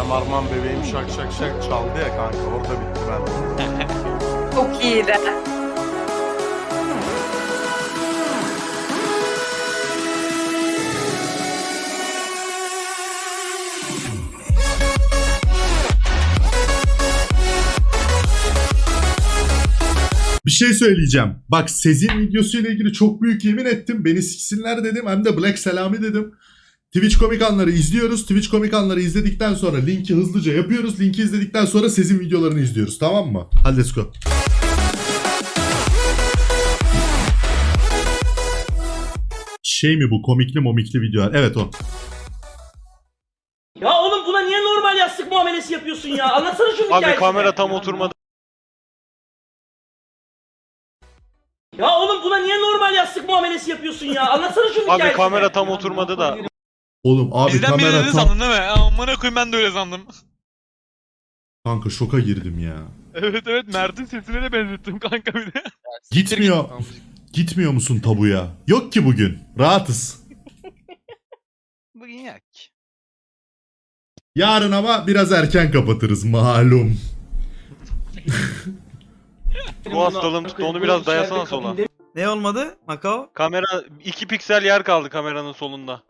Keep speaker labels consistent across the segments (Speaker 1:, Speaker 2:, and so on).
Speaker 1: Arman bebeğim şak şak şak çaldı ya kanka, orada bitti ben.
Speaker 2: Çok iyiydi.
Speaker 3: Bir şey söyleyeceğim. Bak Sezin videosuyla ilgili çok büyük yemin ettim. Beni siksinler dedim. Hem de Black Selami dedim. Twitch komik anları izliyoruz. Twitch komik anları izledikten sonra linki hızlıca yapıyoruz. Linki izledikten sonra Sezin videolarını izliyoruz. Tamam mı? Hadi let's go. Şey mi bu? Komikli momikli videolar. Evet o.
Speaker 4: Ya oğlum buna niye normal yastık muamelesi yapıyorsun ya? Anlatsana şunu hikayesini.
Speaker 5: Abi kamera tam oturmadı.
Speaker 4: Ya oğlum buna niye normal yastık muamelesi yapıyorsun ya? Anlatsana şunu hikayesini.
Speaker 5: Abi kamera tam oturmadı da.
Speaker 3: Oğlum abi
Speaker 6: Bizden biri
Speaker 3: kamera
Speaker 6: dedi
Speaker 3: tam...
Speaker 6: sandın değil mi? Amına koyayım ben de öyle sandım.
Speaker 3: Kanka şoka girdim ya.
Speaker 6: Evet evet Mert'in sesine de benzettim kanka bir de.
Speaker 3: Gitmiyor. Gitmiyor musun tabuya? Yok ki bugün. Rahatız.
Speaker 6: Bugün yak.
Speaker 3: Yarın ama biraz erken kapatırız malum.
Speaker 5: Bu hastalığım tuttu, onu biraz dayasana sola.
Speaker 7: Ne olmadı? Makao?
Speaker 5: Kamera 2 piksel yer kaldı kameranın solunda.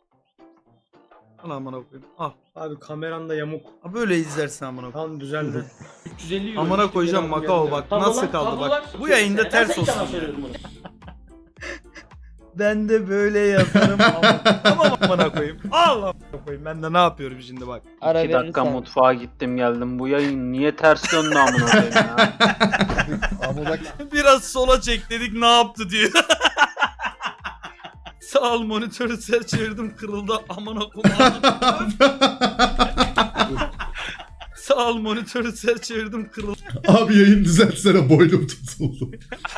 Speaker 7: Al amına koyayım. Al.
Speaker 4: Abi kameran da yamuk.
Speaker 7: Ha böyle izlersin amına koyayım.
Speaker 4: Tamam düzeldi. 350 euro.
Speaker 7: Amına koyacağım Makao bak. Nasıl kaldı bak. Bu yayında ters olsun. Ben de böyle yaparım. Tamam amına koyayım. Al amına koyayım. Ben de ne yapıyorum şimdi bak.
Speaker 8: 2 dakika mutfağa gittim geldim. Bu yayın niye ters döndü amına koyayım ya?
Speaker 7: Biraz sola çek dedik ne yaptı diyor. Sağ ol monitörü ser çevirdim kırıldı amına koyayım. Sağ ol monitörü ser çevirdim kırıldı
Speaker 3: Abi yayın düzeltsene, boynum tutuldu.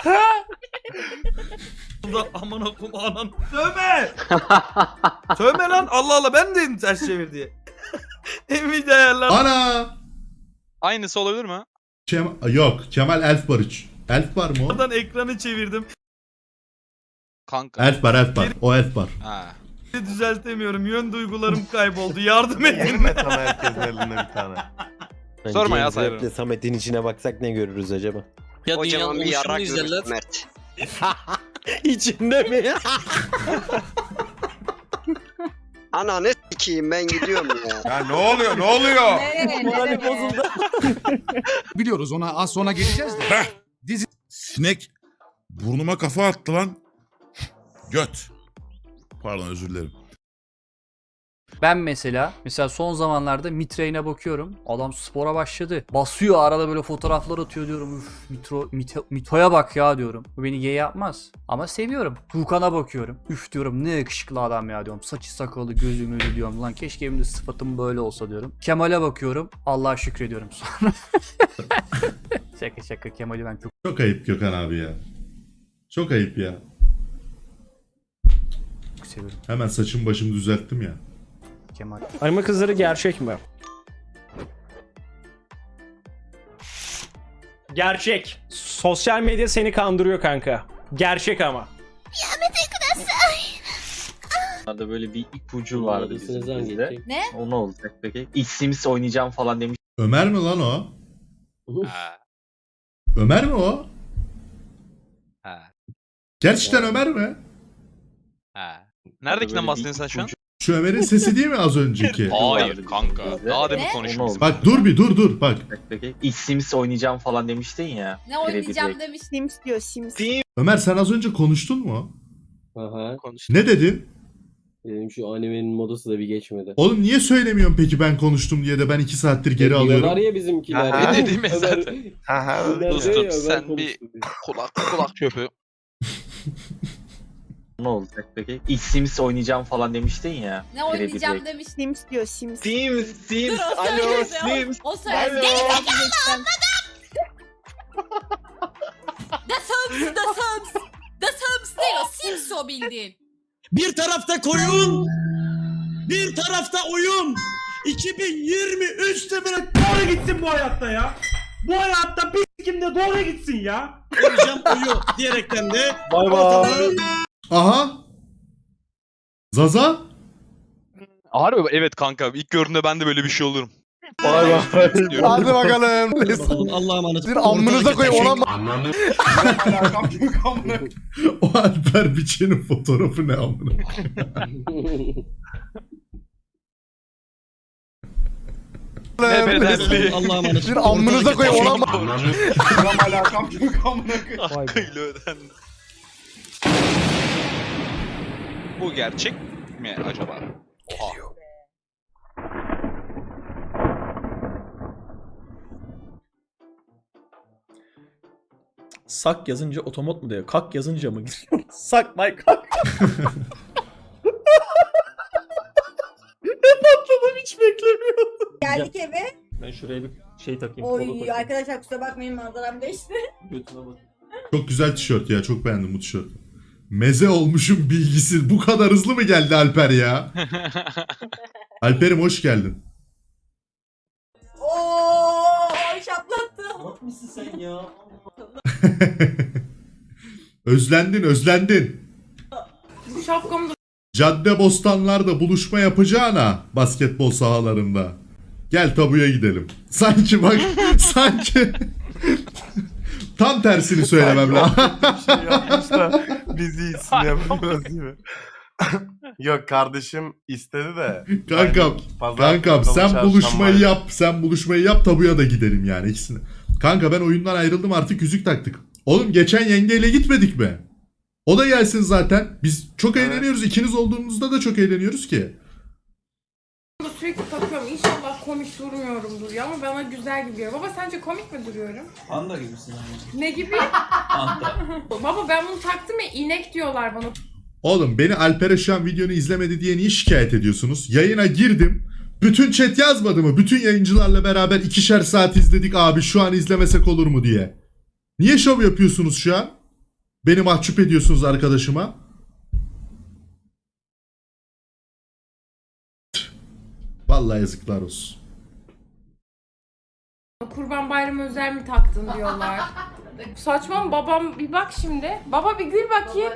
Speaker 7: amına koyayım anan. Sövme! Sövme lan Allah Allah ben de ters çevir diye. Nvidia ayarlar.
Speaker 3: Ana!
Speaker 6: Aynısı olabilir mi?
Speaker 3: Yok, Kemal Elf Barış. Elf var mı o?
Speaker 7: Oradan ekranı çevirdim.
Speaker 6: Kanka.
Speaker 3: Elf var. O Elf var.
Speaker 6: Ha.
Speaker 7: Düzeltemiyorum. Yön duygularım kayboldu. Yardım edin.
Speaker 1: Elime sana herkesin elinde bir tane.
Speaker 6: Sorma ya sahibi.
Speaker 9: Samet'in içine baksak ne görürüz acaba?
Speaker 10: Ya dünyanın oluşumunu izlerler.
Speaker 9: İçinde mi?
Speaker 10: Ananı s**eyim ben gidiyorum ya.
Speaker 1: Ya ne oluyor, ne oluyor?
Speaker 9: Morali bozuldu.
Speaker 11: Biliyoruz ona az sonra geleceğiz de.
Speaker 12: Sinek burnuma kafa attı lan. Göt. Pardon, özür dilerim.
Speaker 10: Ben mesela son zamanlarda Mitraine'e bakıyorum. Adam spora başladı. Basıyor arada böyle fotoğraflar atıyor diyorum. Üf Mito'ya bak ya diyorum. Bu beni gay yapmaz. Ama seviyorum. Tuğkan'a bakıyorum. Üf diyorum ne yakışıklı adam ya diyorum. Saçı sakalı gözü mözü diyorum. Lan keşke benim de sıfatım böyle olsa diyorum. Kemal'e bakıyorum. Allah'a şükrediyorum sonra. Şaka Kemal'i ben çok
Speaker 3: Çok ayıp Gökhan abi ya. Çok ayıp ya.
Speaker 10: seviyorum.
Speaker 3: Hemen saçımı başımı düzelttim ya.
Speaker 10: Kemal.
Speaker 9: Arma kızları gerçek mi?
Speaker 7: Gerçek.
Speaker 9: Sosyal medya seni kandırıyor kanka. Gerçek ama.
Speaker 8: Orada böyle bir ipucu vardı bizim bizde.
Speaker 2: Ne?
Speaker 8: O ne olacak peki? Sims oynayacağım falan demiş.
Speaker 3: Ömer mi lan o?
Speaker 6: Ha.
Speaker 3: Ömer mi o?
Speaker 6: Ha.
Speaker 3: Gerçekten Ömer mi?
Speaker 6: Ha. Neredekinden bahsediyorsun sen şu an?
Speaker 3: Şu Ömer'in sesi değil mi az önceki?
Speaker 6: Hayır kanka. Daha demin
Speaker 2: Ne?
Speaker 6: konuşmuşuz.
Speaker 3: Bak dur bak.
Speaker 8: Peki Sims oynayacağım falan demiştin ya.
Speaker 2: Ne oynayacağım demiş. Sims diyor Sims.
Speaker 3: Ömer sen az önce konuştun mu?
Speaker 9: Aha.
Speaker 3: Ne dedin?
Speaker 9: Benim şu animenin modası da bir geçmedi.
Speaker 3: Oğlum niye söylemiyorsun peki ben konuştum diye de ben 2 saattir geri alıyorum.
Speaker 9: ya bizimkiler.
Speaker 1: Aha.
Speaker 6: Ne dediğimi zaten.
Speaker 1: Haha.
Speaker 6: Dostum sen bir kulak çöpü.
Speaker 8: Ne olacak peki? Sims oynayacağım falan demiştin ya.
Speaker 2: Ne oynayacağım demiş. Sims diyor Sims.
Speaker 8: Sims.
Speaker 2: Dur o
Speaker 8: Alo
Speaker 2: söyledi.
Speaker 8: Sims.
Speaker 2: O söyledi. Geri zekalı anladım. The Sims. The Sims değil o. Sims o bildiğin.
Speaker 4: Bir tarafta koyun, bir tarafta oyun. 2023'te bırak doğru gitsin bu hayatta ya. Bu hayatta bir kimde doğru gitsin ya. Öleceğim uyu diyerekten de.
Speaker 9: Bay bay.
Speaker 3: Aha. Zaza?
Speaker 6: Harbi evet kanka. İlk gördüğümde ben de böyle bir şey olurum.
Speaker 1: Hadi bakalım.
Speaker 4: Allah'a emanet.
Speaker 1: Amınıza koyayım ona
Speaker 3: O Alper Biçen'in fotoğrafı ne amına?
Speaker 5: Ne bedelli.
Speaker 4: Allah'a emanet.
Speaker 1: Amınıza koyayım ona
Speaker 6: Hakkıyla ödendi. Bu gerçek mi acaba? Oha.
Speaker 7: Sak yazınca otomat mı diyor? Kak yazınca mı giriyor? Sak my kak. Patladım, hiç beklemiyordum.
Speaker 2: Geldik eve.
Speaker 7: Ben şuraya bir şey takayım.
Speaker 2: Oy arkadaşlar kusura bakmayın manzaram değişti.
Speaker 3: Çok güzel tişört ya. Çok beğendim bu tişörtü. Meze olmuşum bilgisi. Bu kadar hızlı mı geldi Alper ya? Alper'im hoş geldin.
Speaker 2: Oo şaplattı.
Speaker 4: Bak mısın sen ya?
Speaker 3: Özlendin.
Speaker 2: Bu şapkamı da
Speaker 3: Caddebostanlarda buluşma yapacağına basketbol sahalarında. Gel tabuya gidelim. Sanki bak sanki tam tersini söylemem lazım.
Speaker 1: Bir şey yapmış da biz iyisin yapamıyoruz değil mi? Yok kardeşim istedi de.
Speaker 3: Kankam sen buluşmayı yap tabuya da gidelim yani ikisini. Kanka ben oyundan ayrıldım artık yüzük taktık. Oğlum geçen yengeyle gitmedik mi? O da gelsin zaten. Biz çok eğleniyoruz. İkiniz olduğumuzda da çok eğleniyoruz ki.
Speaker 2: sürekli takıyorum. İnşallah komik durmuyorumdur ya ama bana güzel gidiyor. Baba sence komik mi duruyorum?
Speaker 4: Panda gibisin abi.
Speaker 2: Ne gibi?
Speaker 4: Panda.
Speaker 2: Baba ben bunu taktım ya inek diyorlar bana.
Speaker 3: Oğlum beni Alper'e şu an videonu izlemedi diye niye şikayet ediyorsunuz? Yayına girdim. Bütün chat yazmadı mı? Bütün yayıncılarla beraber 2'şer saat izledik abi şu an izlemesek olur mu diye. Niye şov yapıyorsunuz şu an? Beni mahcup ediyorsunuz arkadaşıma. Vallahi yazıklar olsun.
Speaker 2: Kurban Bayramı özel mi taktın diyorlar. Saçma mı babam bir bak şimdi. Baba bir gül bakayım.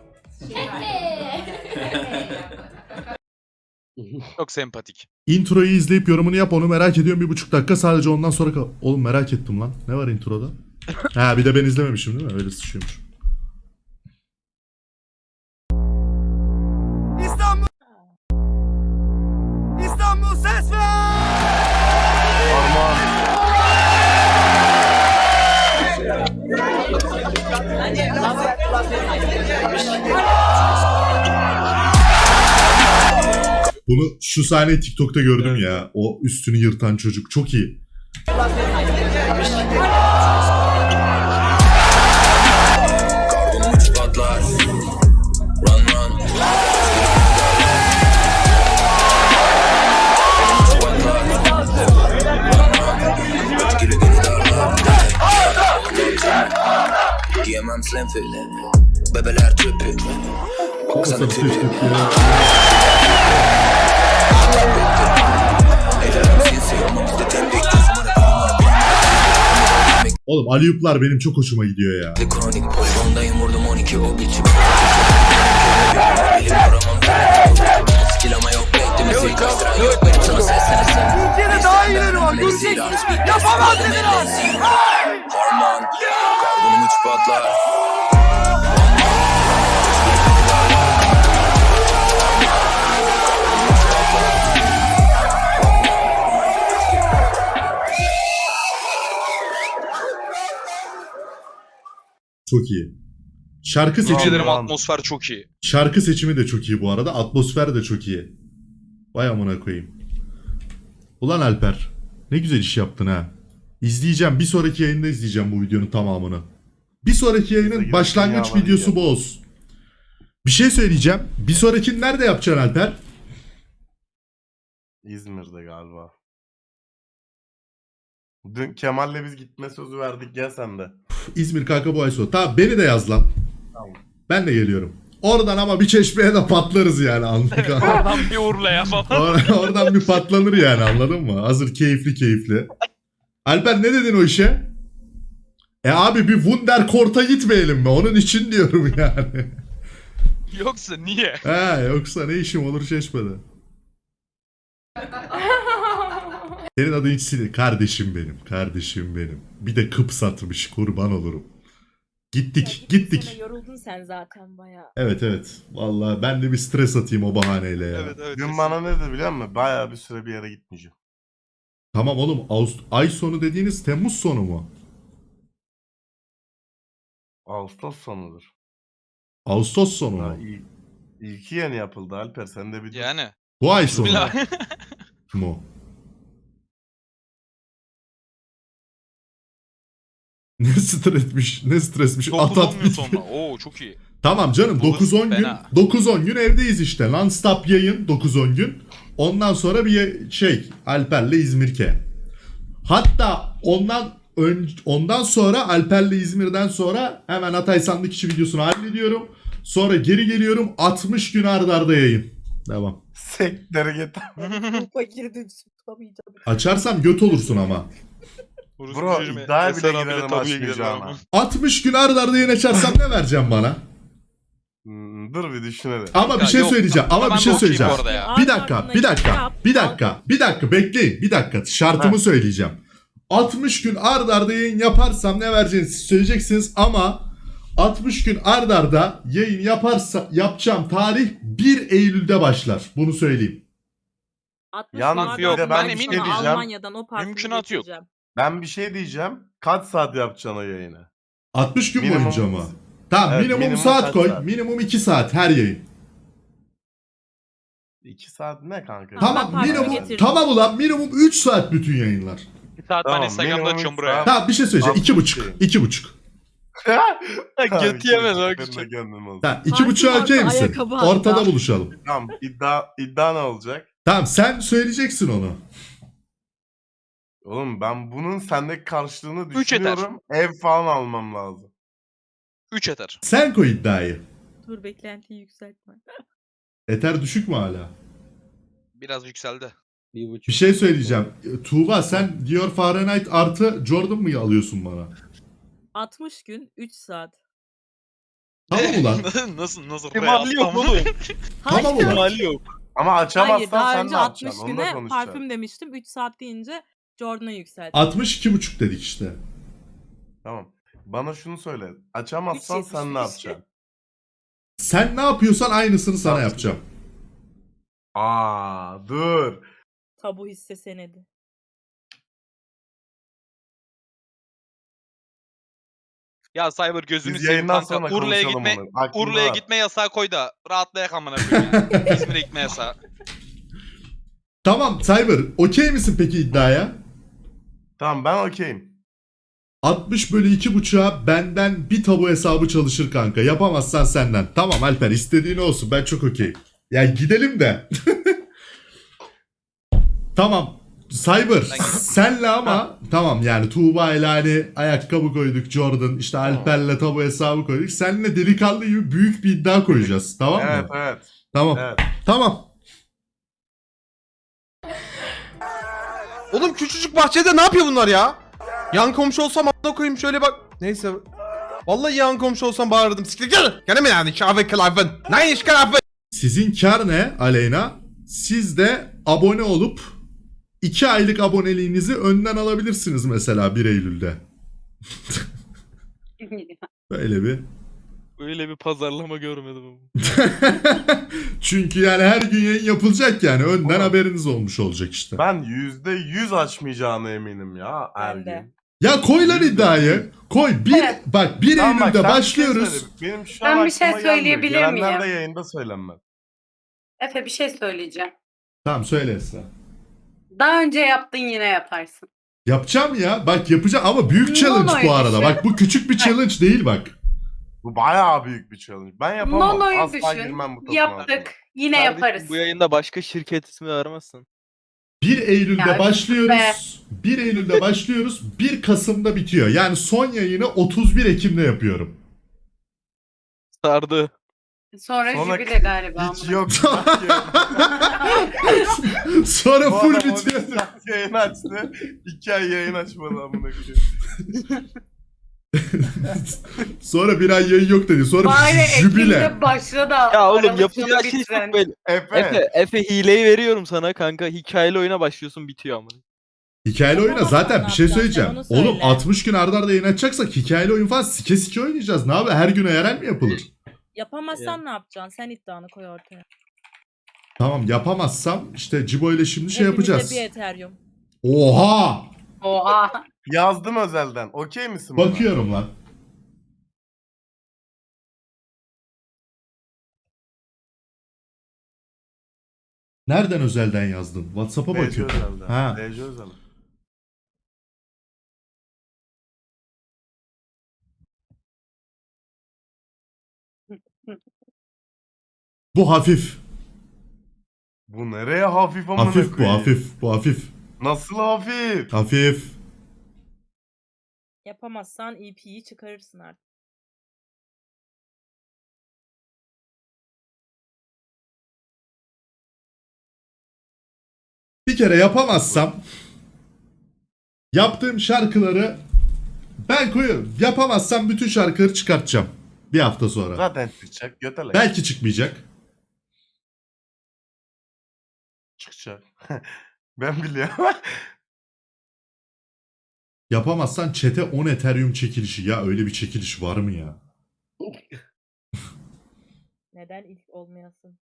Speaker 6: Çok sempatik.
Speaker 3: Introyu izleyip yorumunu yap onu merak ediyorum 1,5 dakika sadece ondan sonra kal. Oğlum merak ettim lan. Ne var introda? Ha bir de ben izlememişim değil mi? Öyle sıçıyormuş.
Speaker 1: İstanbul ses ver!
Speaker 3: Bunu şu sahneyi TikTok'ta gördüm ya. O üstünü yırtan çocuk çok iyi.
Speaker 13: Giyemem slim fit. Bebeler tüpü. Baksana tipi.
Speaker 3: Oğlum Aliyuplar benim çok hoşuma gidiyor ya.
Speaker 13: Kronik poligondayım vurdum 12 o biçim. Elim aramam. Skill ama yok bekle müzik kastıran yok benim sana seslenirsen.
Speaker 1: Türkiye'de daha iyileri var göreceksiniz. Yapamaz dediler.
Speaker 13: Harman. Karbonum 3 patlar.
Speaker 3: Çok iyi. Şarkı seçimi,
Speaker 6: Ederim atmosfer çok iyi.
Speaker 3: şarkı seçimi de çok iyi bu arada. Atmosfer de çok iyi. Vay amına koyayım. Ulan Alper. Ne güzel iş yaptın ha. İzleyeceğim. Bir sonraki yayında izleyeceğim bu videonun tamamını. Bir sonraki yayının başlangıç videosu bu olsun. Bir şey söyleyeceğim. Bir sonrakini nerede yapacaksın Alper?
Speaker 1: İzmir'de galiba. Dün Kemal'le biz gitme sözü verdik ya sen de.
Speaker 3: İzmir kanka bu ay sonu. Tamam beni de yaz lan.
Speaker 1: Tamam.
Speaker 3: Ben de geliyorum. Oradan ama bir çeşmeye de patlarız yani anlık.
Speaker 5: Oradan bir Urla'ya falan.
Speaker 3: Oradan bir patlanır yani anladın mı? Hazır keyifli. Alper ne dedin o işe? Abi bir Wunderkort'a gitmeyelim mi? Onun için diyorum yani.
Speaker 6: Yoksa niye?
Speaker 3: Yoksa ne işim olur Çeşme'de. Senin adın hiç sinir. Kardeşim benim. Kardeşim benim. Bir de kıp satmış. Kurban olurum. Gittik.
Speaker 2: Yoruldun sen zaten bayağı.
Speaker 3: Evet. Vallahi ben de bir stres atayım o bahaneyle ya.
Speaker 6: Evet.
Speaker 1: Dün bana ne dedi biliyor musun? Bayağı bir süre bir yere gitmeyeceğim.
Speaker 3: Tamam oğlum. Ay sonu dediğiniz Temmuz sonu mu?
Speaker 1: Ağustos sonudur.
Speaker 3: Ağustos sonu
Speaker 1: Ha,
Speaker 3: mu?
Speaker 1: İlki yeni yapıldı Alper. Sen de bir
Speaker 6: Yani.
Speaker 3: Bu ay sonu
Speaker 6: Bismillah.
Speaker 3: mu? Ne stresmiş. At
Speaker 6: 9-10 gün
Speaker 3: bitti.
Speaker 6: sonra. Oo çok iyi.
Speaker 3: Tamam canım 9-10 gün.
Speaker 6: Fena.
Speaker 3: 9-10 gün evdeyiz işte. Non-stop yayın 9-10 gün. Ondan sonra bir Alper'le İzmir'ke. Hatta ondan sonra Alper'le İzmir'den sonra hemen Hatay sandık içi videosunu hallediyorum. Sonra geri geliyorum 60 gün arda arda yayın. Devam.
Speaker 1: Sektere git.
Speaker 2: Fakirdim tutamayacağım.
Speaker 3: Açarsam göt olursun ama.
Speaker 1: Bro iddiaya bile girelim açmayacağına.
Speaker 3: 60 gün arda arda yayın açarsam ne vereceğim bana?
Speaker 1: Dur bir düşünelim.
Speaker 3: Ama bir
Speaker 6: Ya
Speaker 3: şey
Speaker 6: yok,
Speaker 3: söyleyeceğim.
Speaker 6: ben de okeyim bu arada ya.
Speaker 3: Bir dakika bekleyin. Bir dakika. Şartımı söyleyeceğim. 60 gün ard arda yayın yaparsam ne vereceğinizi siz söyleyeceksiniz ama 60 gün ard arda yayın yapacağım tarih 1 Eylül'de başlar. Bunu söyleyeyim.
Speaker 1: Yalnız
Speaker 6: yok,
Speaker 1: bir de
Speaker 6: ben
Speaker 1: ben bir
Speaker 6: eminim
Speaker 1: şey diyeceğim.
Speaker 2: Almanya'dan o parfümü
Speaker 6: Mümkünatı yok.
Speaker 2: getireceğim.
Speaker 1: Ben bir şey diyeceğim. Kaç saat yapacaksın o yayını?
Speaker 3: 60 gün
Speaker 1: Minimum-
Speaker 3: boyunca mı? Tamam
Speaker 1: Evet,
Speaker 3: minimum
Speaker 1: minimum
Speaker 3: saat
Speaker 1: kaç
Speaker 3: koy.
Speaker 1: saat?
Speaker 3: Minimum 2 saat her yayın.
Speaker 1: 2 saat ne kanka?
Speaker 3: Tamam
Speaker 2: parfüm
Speaker 3: minimum
Speaker 2: getirdim.
Speaker 3: tamam ulan minimum 3 saat bütün yayınlar.
Speaker 6: Bir saat ben
Speaker 1: Tamam,
Speaker 6: Instagram'da
Speaker 1: minimum
Speaker 6: açıyorum
Speaker 1: üç
Speaker 6: buraya.
Speaker 1: saat.
Speaker 3: Tamam bir şey söyleyeceğim.
Speaker 1: 60
Speaker 3: 2,5.
Speaker 6: Götü yemez o
Speaker 1: küçük.
Speaker 6: küçük.
Speaker 3: Tamam 2,5'a okey misin?
Speaker 2: ayakkabı hatta.
Speaker 3: Ortada buluşalım.
Speaker 1: Tamam iddia ne olacak?
Speaker 3: Tamam sen söyleyeceksin onu.
Speaker 1: Oğlum ben bunun sendeki karşılığını
Speaker 6: Üç yeter.
Speaker 1: düşünüyorum. Ev falan almam lazım.
Speaker 6: 3 yeter.
Speaker 3: Sen koy iddiayı.
Speaker 2: Dur beklentiyi yükseltme.
Speaker 3: Eter düşük mü hala?
Speaker 6: Biraz yükseldi.
Speaker 3: Bir şey söyleyeceğim. Tuğba sen Dior Fahrenheit artı Jordan mı alıyorsun bana?
Speaker 2: 60 gün 3 saat.
Speaker 3: Tamam ulan.
Speaker 6: nasıl
Speaker 5: İhtimali yok oğlum.
Speaker 3: Tamam ulan.
Speaker 5: İhtimali yok.
Speaker 1: Ama açamazsan
Speaker 2: Hayır daha
Speaker 1: sen
Speaker 2: önce
Speaker 1: ne
Speaker 2: 60
Speaker 1: yapacaksın? Onu da
Speaker 2: güne
Speaker 1: konuşacağız.
Speaker 2: parfüm demiştim. 3 saat deyince Jordan'a yükselttim.
Speaker 3: 62,5 dedik işte.
Speaker 1: Tamam. Bana şunu söyle. Açamazsan sen ne
Speaker 2: 3.75.
Speaker 1: yapacaksın?
Speaker 3: Sen ne yapıyorsan aynısını sana
Speaker 1: Tamam.
Speaker 3: yapacağım.
Speaker 1: Dur.
Speaker 2: Tabu hisse senedi.
Speaker 6: Ya Cyber gözünü
Speaker 1: Biz
Speaker 6: seveyim
Speaker 1: yayından
Speaker 6: kanka.
Speaker 1: sonra
Speaker 6: Urla'ya
Speaker 1: konuşalım
Speaker 6: gitme
Speaker 1: onu. Aklımda
Speaker 6: Urla'ya
Speaker 1: var.
Speaker 6: gitme yasağı koy da rahatlayak amına koyayım ya. İzmir'e gitme yasağı.
Speaker 3: Tamam Cyber okey misin peki iddiaya?
Speaker 1: Tamam ben okeyim.
Speaker 3: 60 bölü 2,5'a benden bir tabu hesabı çalışır kanka. Yapamazsan senden. Tamam Alper istediğin olsun ben çok okeyim. Ya gidelim de. Tamam. Cyber senle ama tamam yani Tuğba ile hani ayakkabı koyduk Jordan işte Alper'le tabu hesabı koyduk. Seninle delikanlı gibi büyük bir iddia koyacağız. Tamam mı?
Speaker 1: Evet.
Speaker 3: Tamam.
Speaker 1: Evet.
Speaker 3: Tamam.
Speaker 7: Oğlum küçücük bahçede ne yapıyor bunlar ya? Yan komşu olsam a**ına koyayım şöyle bak. Neyse. Vallahi yan komşu olsam bağırırdım. Siktir gel. Gene mi yani? Kahve kılavın. Ne iş kılavın?
Speaker 3: Sizin kar ne Aleyna? Siz de abone olup 2 aylık aboneliğinizi önden alabilirsiniz mesela 1 Eylül'de. Böyle bir.
Speaker 5: Öyle bir pazarlama görmedim.
Speaker 3: Çünkü yani her gün yayın yapılacak yani önden
Speaker 1: Oğlum.
Speaker 3: haberiniz olmuş olacak işte.
Speaker 1: Ben %100 açmayacağına eminim ya her
Speaker 2: Ben de.
Speaker 1: gün.
Speaker 3: Ya koy lan iddiayı. Koy.
Speaker 2: Evet.
Speaker 3: Bak 1
Speaker 1: Tamam, bak,
Speaker 3: Eylül'de
Speaker 1: sen bir şey
Speaker 3: başlıyoruz.
Speaker 1: söyle. Benim şu an
Speaker 14: Ben bir şey
Speaker 1: aklıma gelmiyor.
Speaker 14: söyleyebilir
Speaker 1: Gelenler de
Speaker 14: miyim?
Speaker 1: yayında söylenmez.
Speaker 14: Efe bir şey söyleyeceğim.
Speaker 3: Tamam söyle Esra.
Speaker 14: Daha önce yaptın yine yaparsın.
Speaker 3: Yapacağım ya. Bak yapacağım ama büyük
Speaker 14: No,
Speaker 3: challenge
Speaker 14: no,
Speaker 3: bu arada.
Speaker 14: düşün.
Speaker 3: Bak bu küçük bir challenge değil bak.
Speaker 1: Bu bayağı büyük bir challenge. Ben yapamam.
Speaker 14: Nono'yu
Speaker 1: Asla
Speaker 14: düşün.
Speaker 1: girmem bu topun
Speaker 14: Yaptık. Yine yaparız.
Speaker 5: Bu yayında başka şirket ismi aramazsın.
Speaker 3: 1 Eylül'de
Speaker 14: Ya,
Speaker 3: başlıyoruz. 1 Eylül'de başlıyoruz. 1 Kasım'da bitiyor. Yani son yayını 31 Ekim'de yapıyorum.
Speaker 5: Sardı.
Speaker 14: Sonra
Speaker 1: Sonra
Speaker 14: jübile galiba.
Speaker 1: Hiç
Speaker 14: amına.
Speaker 1: yok.
Speaker 3: Sonra
Speaker 1: Bu
Speaker 3: full
Speaker 1: adam 12
Speaker 3: bitiyor.
Speaker 1: saat yayın açtı. 2 ay yayın açmadı amına koyayım.
Speaker 3: Sonra bir ay yayın yok dedi. Sonra
Speaker 14: Bari
Speaker 3: jübile.
Speaker 14: Ekim'de başla da.
Speaker 5: Ya oğlum
Speaker 14: Aralık
Speaker 5: yapacağı
Speaker 14: sonu
Speaker 5: şey
Speaker 14: bitiren.
Speaker 5: çok belli.
Speaker 1: Efe.
Speaker 5: Efe hileyi veriyorum sana kanka. Hikayeli oyuna başlıyorsun bitiyor ama.
Speaker 3: Hikayeli oyuna zaten bir şey
Speaker 2: Ne
Speaker 3: söyleyeceğim.
Speaker 2: yapacaksın, onu
Speaker 3: Oğlum
Speaker 2: söyle.
Speaker 3: 60 gün arda arda yayın açacaksak hikayeli oyun falan sike sike oynayacağız. Ne abi her güne yerel mi yapılır?
Speaker 2: Yapamazsan ne yapacaksın? Sen iddianı koy ortaya.
Speaker 3: Tamam yapamazsam işte Cibo ile şimdi şey yapacağız.
Speaker 2: Ethereum.
Speaker 3: Oha!
Speaker 14: Oha.
Speaker 1: Yazdım özelden. Okey misin buna?
Speaker 3: Bakıyorum lan. Nereden özelden yazdın? WhatsApp'a
Speaker 1: DC
Speaker 3: bakıyorum.
Speaker 1: özelden.
Speaker 3: Ha.
Speaker 1: DC özelden.
Speaker 3: Bu hafif.
Speaker 1: Bu nereye hafif amına
Speaker 3: Hafif bu
Speaker 1: koyayım?
Speaker 3: hafif. Bu hafif.
Speaker 1: Nasıl hafif?
Speaker 3: Hafif.
Speaker 2: Yapamazsan EP'yi çıkarırsın artık.
Speaker 3: Bir kere yapamazsam yaptığım şarkıları ben koyuyorum. Yapamazsam bütün şarkıları çıkartacağım. Bir hafta sonra.
Speaker 1: Zaten çıkacak. Götele.
Speaker 3: Belki çıkmayacak.
Speaker 1: Çıkacak. Ben biliyorum.
Speaker 3: Yapamazsan çete 10 Ethereum çekilişi. Ya öyle bir çekiliş var mı ya?
Speaker 2: Neden ilk olmayasın?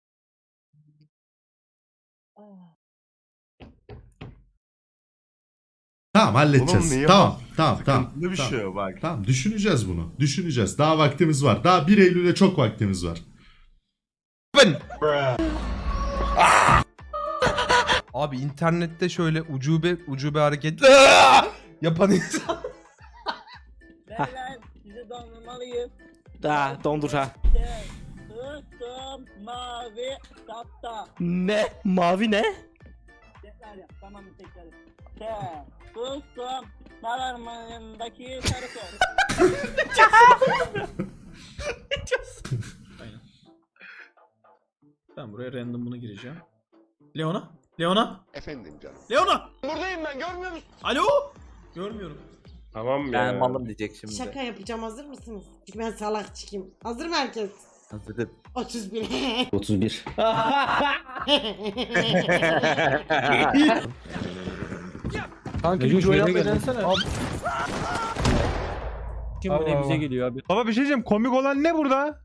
Speaker 3: Tamam halledeceğiz.
Speaker 1: Oğlum niye
Speaker 3: Tamam,
Speaker 1: bak?
Speaker 3: tamam, tamam.
Speaker 1: Sıkıntılı bir
Speaker 3: tamam.
Speaker 1: şey o bak.
Speaker 3: Tamam düşüneceğiz bunu. Düşüneceğiz. Daha vaktimiz var. Daha 1 Eylül'e çok vaktimiz var.
Speaker 7: Abi internette şöyle ucube hareket yapan insan.
Speaker 2: Sizi dondurmalıyım.
Speaker 9: Da dondur ha.
Speaker 2: Mavi kapta.
Speaker 9: Ne? Mavi ne?
Speaker 2: Tekrar yap. Tamam mı tekrar yap. Sustum. Sararmanındaki sarı sol.
Speaker 4: Ben buraya random bunu gireceğim. Leona? Leona?
Speaker 11: Efendim canım.
Speaker 4: Leona!
Speaker 11: Buradayım ben, görmüyor musun?
Speaker 4: Alo? Görmüyorum.
Speaker 1: Tamam ya.
Speaker 5: Ben malım diyecek şimdi.
Speaker 2: Şaka yapacağım, hazır mısınız? Çünkü ben salak çıkayım. Hazır mı herkes?
Speaker 5: Hazırım.
Speaker 2: 31.
Speaker 9: 31.
Speaker 7: Kanka
Speaker 9: bir join
Speaker 7: şöyle
Speaker 9: denesene. Kim bu ne bize geliyor abi?
Speaker 4: Baba bir şey diyeceğim, komik olan ne burada?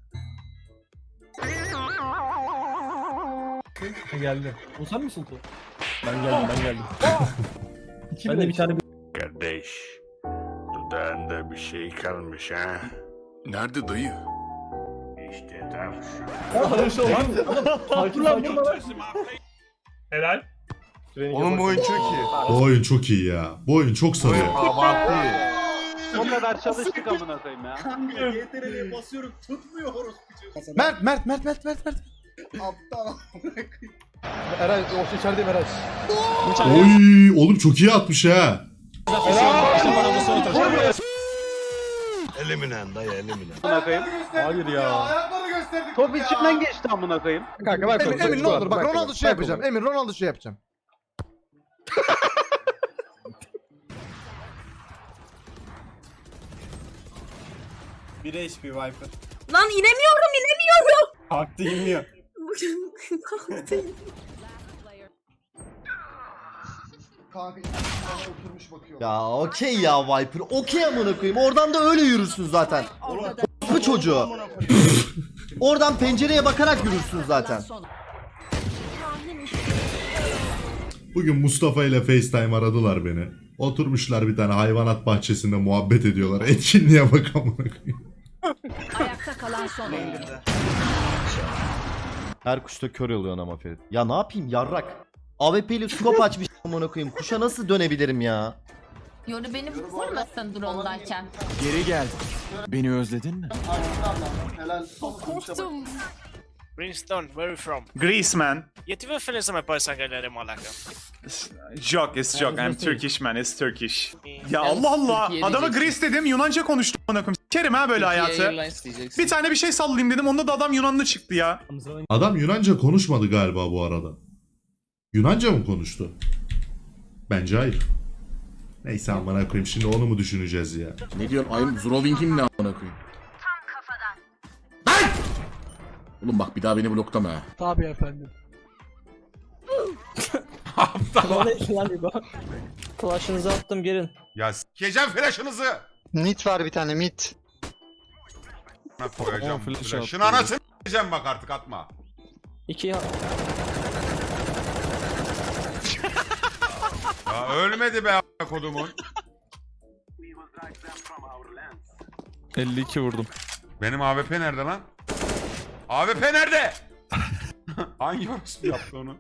Speaker 9: Geldi. O sen misin tu? Ben geldim. Ben de bir tane
Speaker 12: Kardeş, dudağında bir şey kalmış ha. Nerede dayı? İşte tam şu.
Speaker 4: Helal.
Speaker 1: Oğlum bu oyun çok iyi.
Speaker 3: Bu oyun çok iyi ya. Bu oyun çok sarıyor.
Speaker 1: Abartı.
Speaker 8: O kadar çalıştık amına koyayım ya.
Speaker 4: GTR'ye basıyorum, tutmuyor orospu.
Speaker 7: Mert.
Speaker 5: Eray o içerideyim Eray.
Speaker 3: Oy, oğlum çok iyi atmış ha.
Speaker 12: Eliminen dayı eliminen.
Speaker 8: Amına koyayım.
Speaker 9: Hayır ya.
Speaker 8: Top içimden geçti amına koyayım.
Speaker 5: Kanka bak.
Speaker 11: Emin ne olur bak Ronaldo şey yapacağım. Emin Ronaldo şey yapacağım.
Speaker 4: Bir HP Viper.
Speaker 2: Lan inemiyorum.
Speaker 4: Kalktı inmiyor.
Speaker 11: Ya okey ya Viper. Okey amına koyayım. Oradan da öyle yürürsün zaten. Bu çocuğu. Oradan pencereye bakarak yürürsün zaten.
Speaker 3: Bugün Mustafa ile FaceTime aradılar beni. Oturmuşlar bir tane hayvanat bahçesinde muhabbet ediyorlar. Etkinliğe bak amına koyayım.
Speaker 2: Ayakta kalan son oyuncu.
Speaker 11: Her kuşta kör oluyorsun ama Ferit. Ya ne yapayım yarrak. AWP ile scope açmış amına koyayım. Kuşa nasıl dönebilirim ya?
Speaker 2: Yoru beni vurmasın drone'dayken.
Speaker 11: Geri gel. Beni özledin mi?
Speaker 2: Korktum.
Speaker 4: Brimstone, where are you from?
Speaker 15: Greece, man.
Speaker 4: E tive referência mais para essa galera malaca.
Speaker 15: Joke, it's joke. I'm Turkish, man. It's Turkish. Ya Allah Allah. Adama Greece dedim, Yunanca konuştu amına koyayım. Sikerim ha böyle hayatı. Bir tane bir şey sallayayım dedim. Onda da adam Yunanlı çıktı ya.
Speaker 3: Adam Yunanca konuşmadı galiba bu arada. Yunanca mı konuştu? Bence hayır. Neyse amına koyayım, şimdi onu mu düşüneceğiz ya?
Speaker 11: Ne diyorsun? Ayım Zroving'in ne amına koyayım? Lan! Oğlum bak bir daha beni bloklama ha.
Speaker 9: Tabii efendim.
Speaker 11: Aptal.
Speaker 9: Lan İbo. Flash'ınızı attım gelin.
Speaker 12: Ya s**eceğim flash'ınızı.
Speaker 11: Mit var bir tane mit.
Speaker 12: Ne koyacağım
Speaker 9: flash
Speaker 12: flash'ın
Speaker 9: attı.
Speaker 12: anasını s**eceğim bak artık atma.
Speaker 9: 2
Speaker 12: Ya ölmedi be a**a kodumun.
Speaker 9: 52 vurdum.
Speaker 12: Benim AWP nerede lan? AWP nerede? Hangi orospu yaptı onu?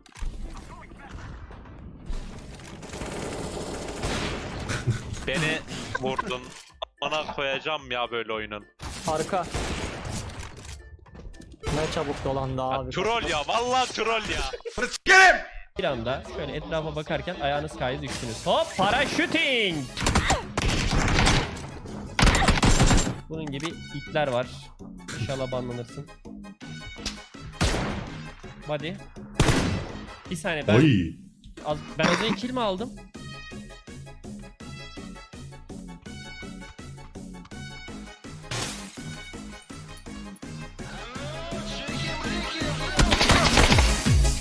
Speaker 6: Beni vurdun. Bana koyacağım ya böyle oyunun.
Speaker 9: Arka. Ne çabuk dolandı abi.
Speaker 6: Troll ya, vallahi troll ya.
Speaker 12: Gelin!
Speaker 9: Bir anda şöyle etrafa bakarken ayağınız kaydı düştünüz. Hop paraşüting. Bunun gibi itler var. İnşallah banlanırsın. Hadi. Bir saniye ben
Speaker 3: Oy.
Speaker 9: ben az önce kill mi aldım?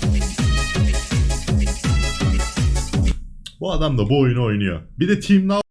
Speaker 3: Bu adam da bu oyunu oynuyor. Bir de Team Now